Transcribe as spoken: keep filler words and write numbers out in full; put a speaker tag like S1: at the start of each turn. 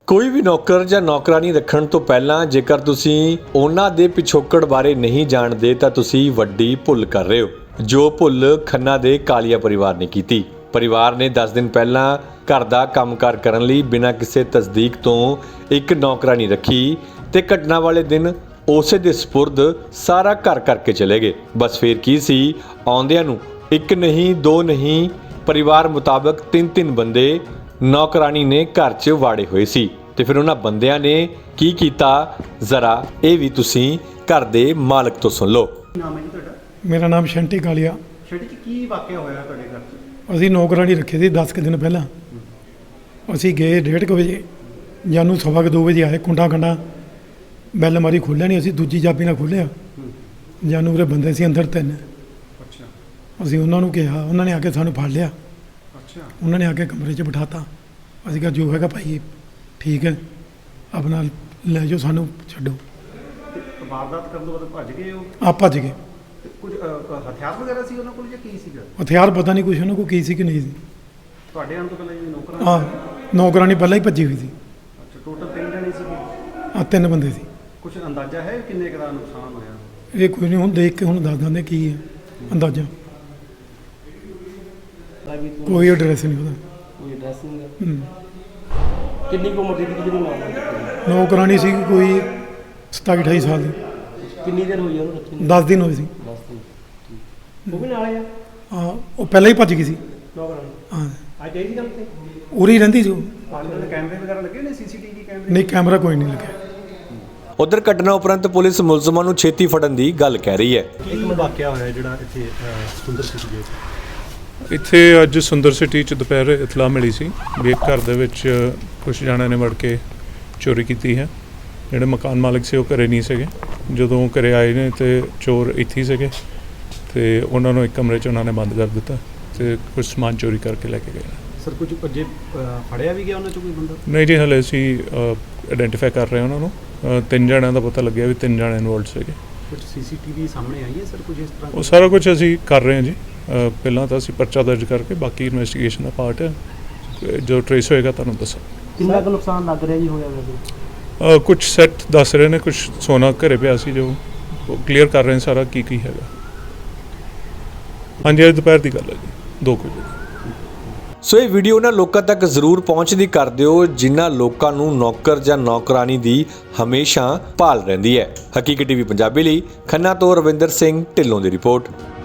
S1: ਕੋਈ ਵੀ ਨੌਕਰ ਜਾਂ ਨੌਕਰਾਨੀ ਰੱਖਣ ਤੋਂ ਪਹਿਲਾਂ ਜੇਕਰ ਤੁਸੀਂ ਉਹਨਾਂ ਦੇ ਪਿਛੋਕੜ ਬਾਰੇ ਨਹੀਂ ਜਾਣਦੇ ਤਾਂ ਤੁਸੀਂ ਵੱਡੀ ਭੁੱਲ ਕਰ ਰਹੇ ਹੋ, ਜੋ ਭੁੱਲ ਖੰਨਾ ਦੇ ਕਾਲੀਆ ਪਰਿਵਾਰ ਨੇ ਕੀਤੀ। ਪਰਿਵਾਰ ਨੇ ਦਸ ਦਿਨ ਪਹਿਲਾਂ ਘਰ ਦਾ ਕੰਮਕਾਰ ਕਰਨ ਲਈ ਬਿਨਾਂ ਕਿਸੇ ਤਸਦੀਕ ਤੋਂ ਇੱਕ ਨੌਕਰਾਨੀ ਰੱਖੀ ਤੇ ਘਟਨਾ ਵਾਲੇ ਦਿਨ ਉਸੇ ਦੇ ਸਪੁਰਦ ਸਾਰਾ ਘਰ ਕਰਕੇ ਚਲੇ ਗਏ। ਬਸ ਫਿਰ ਕੀ ਸੀ, ਆਉਂਦਿਆਂ ਨੂੰ ਇੱਕ ਨਹੀਂ ਦੋ ਨਹੀਂ ਪਰਿਵਾਰ ਮੁਤਾਬਕ ਤਿੰਨ ਤਿੰਨ ਬੰਦੇ ਨੌਕਰਾਨੀ ਨੇ ਘਰ 'ਚ ਵਾੜੇ ਹੋਏ ਸੀ। ਤੇ ਫਿਰ ਉਹਨਾਂ ਬੰਦਿਆਂ ਨੇ ਕੀ ਕੀਤਾ, ਜ਼ਰਾ ਇਹ ਵੀ ਤੁਸੀਂ ਘਰ ਦੇ ਮਾਲਕ ਤੋਂ ਸੁਣ ਲਓ।
S2: ਨਾਮ ਹੈ ਜੀ ਤੁਹਾਡਾ?
S3: ਮੇਰਾ ਨਾਮ ਸ਼ੰਟੀ ਕਾਲੀਆ।
S2: ਸ਼ੰਟੀ ਜੀ, ਕੀ ਵਾਕਿਆ ਹੋਇਆ ਤੁਹਾਡੇ ਘਰ 'ਚ?
S3: ਅਸੀਂ ਨੌਕਰਾਨੀ ਰੱਖੀ ਸੀ ਦਸ ਕੁ ਦਿਨ ਪਹਿਲਾਂ। ਅਸੀਂ ਗਏ ਡੇਢ ਕੁ ਵਜੇ, ਜਾਨੂੰ ਸਵਾ ਕੁ ਦੋ ਵਜੇ ਆਏ। ਕੁੰਡਾ ਕੰਡਾ ਬੈਲ ਮਾਰੀ ਖੋਲ੍ਹਿਆ ਨਹੀਂ, ਅਸੀਂ ਦੂਜੀ ਚਾਬੀ ਨਾਲ ਖੋਲ੍ਹਿਆ। ਜਾਨੂੰ ਉਰੇ ਬੰਦੇ ਸੀ ਅੰਦਰ ਤਿੰਨ।
S2: ਅੱਛਾ।
S3: ਅਸੀਂ ਉਹਨਾਂ ਨੂੰ ਕਿਹਾ, ਉਹਨਾਂ ਨੇ ਆ ਕੇ ਸਾਨੂੰ ਫੜ ਲਿਆ।
S2: ਅੱਛਾ।
S3: ਉਹਨਾਂ ਨੇ ਆ ਕੇ ਕਮਰੇ 'ਚ ਬਿਠਾਤਾ। ਅਸੀਂ ਕਿਹਾ ਜੋ ਹੈਗਾ ਭਾਈ ਠੀਕ ਹੈ, ਆਪਣਾ ਲੈ ਜਾਓ, ਸਾਨੂੰ ਛੱਡੋ।
S2: ਤੇ ਵਾਰਦਾਤ ਕਰਨ ਤੋਂ ਬਾਅਦ ਭੱਜ ਗਏ ਉਹ?
S3: ਆ ਭੱਜ ਗਏ।
S2: ਤੇ ਕੁਝ ਅ, ਹਥਿਆਰ ਵਗੈਰਾ ਸੀ ਉਹਨਾਂ ਕੋਲ ਜਾਂ ਕੀ ਸੀਗਾ?
S3: ਹਥਿਆਰ ਪਤਾ ਨਹੀਂ ਕੁਛ ਉਹਨਾਂ ਕੋਲ ਕੀ ਸੀ ਕਿ ਨਹੀਂ ਸੀ।
S2: ਤੁਹਾਡੇ ਆਉਣ ਤੋਂ ਪਹਿਲਾਂ ਜਿਹੜੀ ਨੌਕਰਾਂ?
S3: ਆ ਨੌਕਰਾਨੀ ਪਹਿਲਾਂ ਹੀ ਭੱਜੀ ਹੋਈ ਸੀ।
S2: ਅੱਛਾ, ਟੋਟਲ ਤਿੰਨ ਜਣੇ ਸੀਗੇ?
S3: ਆ ਤਿੰਨ ਬੰਦੇ ਸੀ।
S2: ਕੁਝ ਅੰਦਾਜ਼ਾ ਹੈ ਕਿੰਨੇ ਕੁ ਦਾ ਨੁਕਸਾਨ ਹੋਇਆ?
S3: ਇਹ ਕੋਈ ਨਹੀਂ, ਹੁਣ ਦੇਖ ਕੇ ਹੁਣ ਦੱਸ ਦਿੰਦੇ ਕੀ ਹੈ ਅੰਦਾਜ਼ਾ। ਕੋਈ ਐਡਰੈਸ ਨਹੀਂ ਉਹਦਾ।
S4: ਕੋਈ ਐਡਰੈਸ ਨਹੀਂ ਹੈ।
S3: ਹੂੰ।
S4: ਕਿੰਨੀ ਕੁ ਉਮਰ ਦੀ ਜਿਹੜੀ ਨੌਕਰਾਨੀ?
S3: ਨੌਕਰਾਨੀ ਸੀ ਕੋਈ ਸਤਾਈ ਅਠਾਈ ਸਾਲ ਦੀ।
S4: ਕਿੰਨੀ ਦੇਰ ਹੋਈ ਉਹਨੂੰ ਰੱਖੀ ਨੂੰ?
S3: ਦਸ ਦਿਨ ਹੋਏ ਸੀ।
S4: ਦਸ ਦਿਨ। ਉਹ ਵੀ ਨਾਲ ਆ
S3: ਹਾਂ, ਉਹ ਪਹਿਲਾਂ ਹੀ ਭੱਜ ਗਈ ਸੀ।
S4: ਨੌਕਰਾਨੀ?
S3: ਹਾਂ,
S4: ਅੱਜ ਆਈ ਸੀ ਕੰਮ ਤੇ?
S3: ਉਰੀ ਰਹਿੰਦੀ ਸੀ ਉਹ।
S2: ਆਲੇ ਕੈਮਰੇ ਵਗੈਰਾ ਲੱਗੇ ਨੇ, ਸੀਸੀਟੀਵੀ ਕੈਮਰੇ?
S3: ਨਹੀਂ, ਕੈਮਰਾ ਕੋਈ ਨਹੀਂ ਲੱਗਿਆ।
S1: ਉਧਰ ਘਟਨਾ ਉਪਰੰਤ ਪੁਲਿਸ ਮੁਲਜ਼ਮਾਂ ਨੂੰ ਛੇਤੀ ਫੜਨ ਦੀ ਗੱਲ ਕਹਿ ਰਹੀ ਹੈ।
S2: ਇੱਕ ਵਾਕਿਆ ਹੋਇਆ ਜਿਹੜਾ ਇੱਥੇ ਸੁੰਦਰ ਸਿਟੀ ਦੇ
S5: ਇੱਥੇ ਅੱਜ ਸੁੰਦਰ ਸਿਟੀ 'ਚ ਦੁਪਹਿਰ ਇਤਲਾਹ ਮਿਲੀ ਸੀ ਵੀ ਇੱਕ ਘਰ ਦੇ ਵਿੱਚ ਕੁਝ ਜਣਿਆਂ ਨੇ ਵੜ ਕੇ ਚੋਰੀ ਕੀਤੀ ਹੈ। ਜਿਹੜੇ ਮਕਾਨ ਮਾਲਕ ਸੀ ਉਹ ਘਰੇ ਨਹੀਂ ਸੀਗੇ। ਜਦੋਂ ਘਰੇ ਆਏ ਨੇ ਤੇ ਚੋਰ ਇੱਥੇ ਹੀ ਸੀਗੇ ਤੇ ਉਹਨਾਂ ਨੂੰ ਇੱਕ ਕਮਰੇ 'ਚ ਉਹਨਾਂ ਨੇ ਬੰਦ ਕਰ ਦਿੱਤਾ ਤੇ ਕੁਝ ਸਮਾਨ ਚੋਰੀ ਕਰਕੇ ਲੈ ਕੇ ਗਏ।
S2: ਸਰ, ਕੁਝ ਅੱਜੇ ਫੜਿਆ ਵੀ ਗਿਆ ਉਹਨਾਂ 'ਚੋਂ ਕੋਈ ਬੰਦਾ?
S5: ਨਹੀਂ ਜੀ, ਹਲੇ ਅਸੀਂ ਆਇਡੈਂਟੀਫਾਈ ਕਰ ਰਹੇ ਹਾਂ ਉਹਨਾਂ ਨੂੰ। ਅ, ਤਿੰਨ ਜਣਿਆਂ ਦਾ ਪਤਾ ਲੱਗਿਆ ਵੀ ਤਿੰਨ ਜਣੇ ਇਨਵੋਲਡ ਸੀਗੇ।
S2: ਕੁਝ ਸੀਸੀਟੀਵੀ ਸਾਹਮਣੇ ਆਈ ਹੈ ਸਰ, ਕੁਝ ਇਸ ਤਰ੍ਹਾਂ?
S5: ਉਹ ਸਾਰਾ ਕੁਝ ਅਸੀਂ ਕਰ ਰਹੇ ਹਾਂ ਜੀ। ਅ, ਪਹਿਲਾਂ ਤਾਂ ਅਸੀਂ ਪਰਚਾ ਦਰਜ ਕਰਕੇ ਬਾਕੀ ਇਨਵੈਸਟੀਗੇਸ਼ਨ ਦਾ ਪਾਰਟ ਹੈ, ਜੋ ਟਰੇਸ ਹੋਏਗਾ ਤੁਹਾਨੂੰ ਦੱਸਾਂ।
S4: ਕਿੰਨਾ ਕੁ ਨੁਕਸਾਨ ਲੱਗ ਰਿਹਾ ਜੀ ਹੋਇਆ ਵੈਸੇ?
S5: ਅ, ਕੁਝ ਸੈੱਟ ਦੱਸ ਰਹੇ ਨੇ, ਕੁਝ ਸੋਨਾ ਘਰੇ ਪਿਆ ਸੀ ਜੋ ਕਲੀਅਰ ਕਰ ਰਹੇ ਨੇ ਸਾਰਾ ਕੀ ਕੀ ਹੈਗਾ। ਹਾਂਜੀ, ਅੱਜ ਦੁਪਹਿਰ ਦੀ ਗੱਲ ਹੈ ਜੀ, ਦੋ ਕੁ ਵਜੇ।
S1: ਸੋ ਇਹ ਵੀਡੀਓ ਉਹਨਾਂ ਲੋਕਾਂ ਤੱਕ ਜ਼ਰੂਰ ਪਹੁੰਚਦੀ ਕਰ ਦਿਓ ਜਿਨ੍ਹਾਂ ਲੋਕਾਂ ਨੂੰ ਨੌਕਰ ਜਾਂ ਨੌਕਰਾਨੀ ਦੀ ਹਮੇਸ਼ਾ ਭਾਲ ਰਹਿੰਦੀ ਹੈ। ਹਕੀਕਤ ਟੀਵੀ ਪੰਜਾਬੀ ਲਈ ਖੰਨਾ ਤੋਂ ਰਵਿੰਦਰ ਸਿੰਘ ਢਿੱਲੋਂ ਦੀ ਰਿਪੋਰਟ।